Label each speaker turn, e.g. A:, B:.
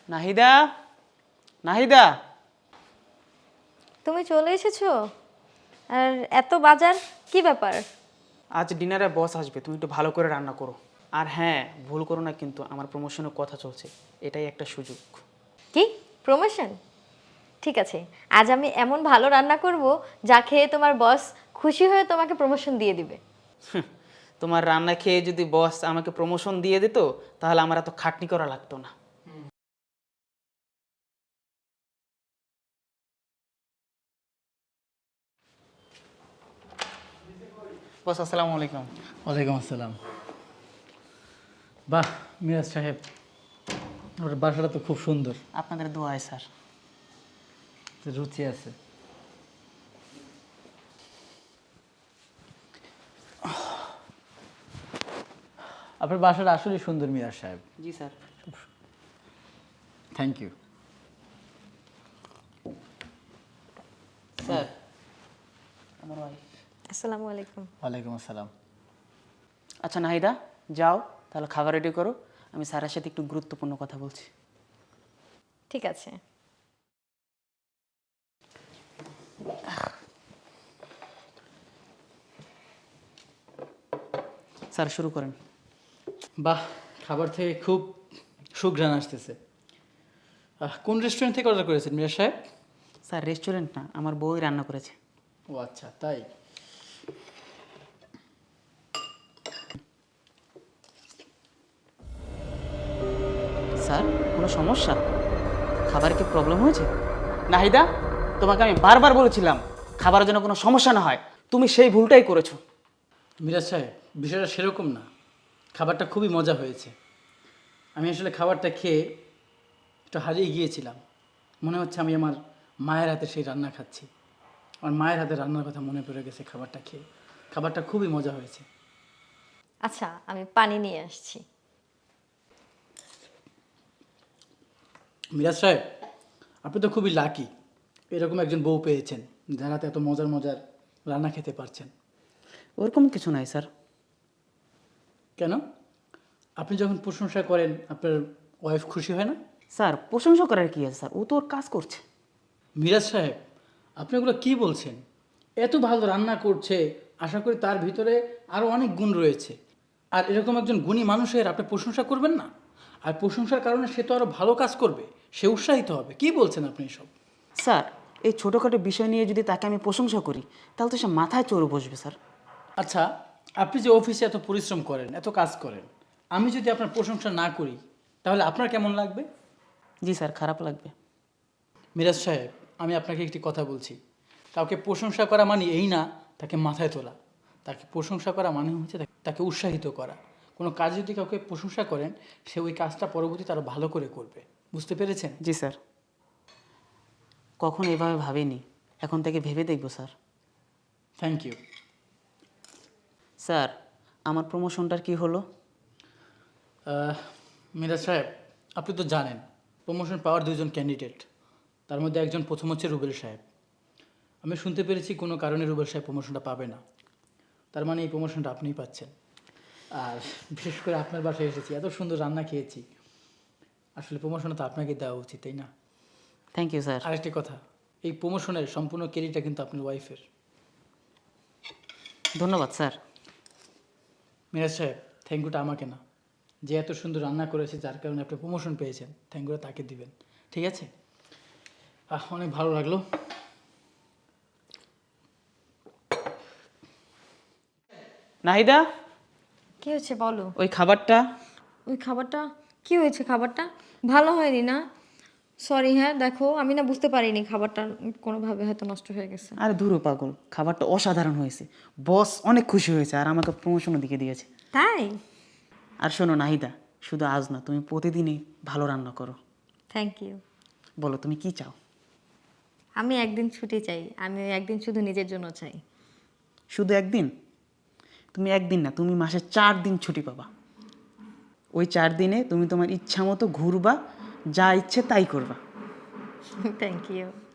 A: নাহিদা, নাহিদা।
B: তুমি চলে এসেছো? আর এত বাজার, কি ব্যাপার?
A: আজ ডিনারে বস আসবে, তুমি একটু ভালো করে রান্না করো। আর হ্যাঁ, ভুল করো না কিন্তু, আমার প্রমোশনের কথা চলছে, এটাই একটা সুযোগ।
B: কি প্রমোশন? ঠিক আছে, আজ আমি এমন ভালো রান্না করব যা খেয়ে তোমার বস খুশি হয়ে তোমাকে প্রমোশন দিয়ে দিবে।
A: তোমার রান্না খেয়ে যদি বস আমাকে প্রমোশন দিয়ে দিত, তাহলে আমার এত খাটনি করা লাগতো না। বস আসসালামু আলাইকুম।
C: ওয়ালাইকুম আসসালাম। বাহ মিরাজ সাহেব, ওর বাসাটা তো খুব সুন্দর,
A: আপনাদের দোয়ায় স্যার।
C: রুচি আছে। আপনার বাসাটা আসলেই সুন্দর মিরাজ সাহেব।
A: জি স্যার।
C: Thank you.
A: স্যার, আমার ওয়াইফ।
B: আসসালামু আলাইকুম।
C: ওয়ালাইকুম আসসালাম।
A: আচ্ছা নাহিদা, যাও তাহলে খাবার রেডি করো, আমি স্যারের সাথে একটু গুরুত্বপূর্ণ কথা বলছি।
B: ঠিক আছে।
A: স্যার শুরু করেন।
C: বাহ, খাবার থেকে খুব সুঘ্রাণ আসতেছে। কোন রেস্টুরেন্ট থেকে অর্ডার করেছেন মিরাজ সাহেব?
A: স্যার রেস্টুরেন্ট না, আমার বউই রান্না করেছে।
C: ও আচ্ছা, তাই।
A: স্যার কোনো সমস্যা? খাবারে কি প্রবলেম হয়েছে? নাহিদা, তোমাকে আমি বারবার বলেছিলাম খাবারের জন্য কোনো সমস্যা না হয়, তুমি সেই ভুলটাই করেছো।
C: মিরাজ সাহেব, বিষয়টা সেরকম না, খাবারটা খুবই মজা হয়েছে। আমি আসলে খাবারটা খেয়ে একটু হারিয়ে গিয়েছিলাম। মনে হচ্ছে আমি আমার মায়ের হাতে সেই রান্না খাচ্ছি। আমার মায়ের হাতে রান্নার কথা মনে পড়ে গেছে খাবারটা খেয়ে। খাবারটা খুবই মজা হয়েছে।
B: আচ্ছা, আমি পানি নিয়ে আসছি।
C: মিরাজ সাহেব, আপনি তো খুবই লাকি, এরকম একজন বউ পেয়েছেন যার হাতে এত মজার মজার রান্না খেতে পারছেন।
A: ওরকম কিছু নাই স্যার।
C: কেন? আপনি যখন প্রশংসা করেন আপনার ওয়াইফ খুশি হয় না?
A: স্যার প্রশংসা করার কি আছে স্যার, ও তো ওর কাজ করছে।
C: মিরাজ সাহেব, আপনি ওগুলো কী বলছেন? এত ভালো রান্না করছে, আশা করি তার ভিতরে আরও অনেক গুণ রয়েছে। আর এরকম একজন গুণী মানুষের আপনি প্রশংসা করবেন না? আর প্রশংসার কারণে সে তো আরও ভালো কাজ করবে, সে উৎসাহিত হবে। কি বলছেন আপনি এসব?
A: স্যার এই ছোটোখাটো বিষয় নিয়ে যদি তাকে আমি প্রশংসা করি, তাহলে তো সে মাথায় চড়ে বসবে স্যার।
C: আচ্ছা, আপনি যে অফিসে এত পরিশ্রম করেন, এত কাজ করেন, আমি যদি আপনার প্রশংসা না করি তাহলে আপনার কেমন লাগবে?
A: জি স্যার, খারাপ লাগবে।
C: মিরাজ সাহেব, আমি আপনাকে একটি কথা বলছি। কাউকে প্রশংসা করা মানে এই না তাকে মাথায় তোলা। তাকে প্রশংসা করা মানে হচ্ছে তাকে উৎসাহিত করা। কোনো কাজ যদি কাউকে প্রশংসা করেন, সে ওই কাজটা পরবর্তীতে আরও ভালো করে করবে। বুঝতে পেরেছেন?
A: জি স্যার। কখন এভাবে ভাবিনি, এখন থেকে ভেবে দেখব স্যার।
C: Thank you.
A: স্যার আমার প্রমোশনটার কি হলো?
C: মিরাজ সাহেব, আপনি তো জানেন প্রমোশন পাওয়ার দুজন ক্যান্ডিডেট, তার মধ্যে একজন প্রথম হচ্ছে রুবেল সাহেব। আমি শুনতে পেরেছি কোনো কারণে রুবেল সাহেব প্রমোশনটা পাবে না। তার মানে এই প্রমোশনটা আপনিই পাচ্ছেন। আর বিশেষ করে আপনার বাসায় এসেছি, এত সুন্দর রান্না খেয়েছি, আসলে প্রমোশনটা তো আপনাকে দেওয়া উচিত, তাই না?
A: Thank you sir.
C: আরেকটি কথা, এই প্রমোশনের সম্পূর্ণ ক্রেডিটটা কিন্তু আপনার ওয়াইফের।
A: ধন্যবাদ স্যার।
C: মিরাজ সাহেব, থ্যাংক ইউটা আমাকে না, যে এত সুন্দর রান্না করেছে যার কারণে আপনি প্রমোশন পেয়েছেন, থ্যাংক ইউটা তাকে দিবেন। ঠিক আছে? অনেক ভালো লাগলো।
A: নাহিদা,
B: কি হয়েছে বলো?
A: ওই খাবারটা।
B: ওই খাবারটা কি হয়েছে? খাবারটা ভালো হয়নি না? সরি, হ্যাঁ দেখো, আমি না বুঝতে পারিনি খাবারটা কোনোভাবে হয়তো নষ্ট হয়ে গেছে।
A: আরে ধুরো পাগল, খাবারটা অসাধারণ হয়েছে, বস অনেক খুশি হয়েছে আর আমাকে প্রমোশনও দিকে দিয়েছে।
B: তাই?
A: আর শোনো নাহিদা, শুধু আজ না, তুমি প্রতিদিনই ভালো রান্না করো।
B: Thank you.
A: বলো তুমি কি চাও?
B: আমি একদিন ছুটি চাই, আমি ওই একদিন শুধু নিজের জন্য চাই।
A: শুধু একদিন? তুমি একদিন না, তুমি মাসে 4 দিন ছুটি পাবা। ওই 4 দিনে তুমি তোমার ইচ্ছা মতো ঘুরবা, যা ইচ্ছে তাই করবা।
B: Thank you.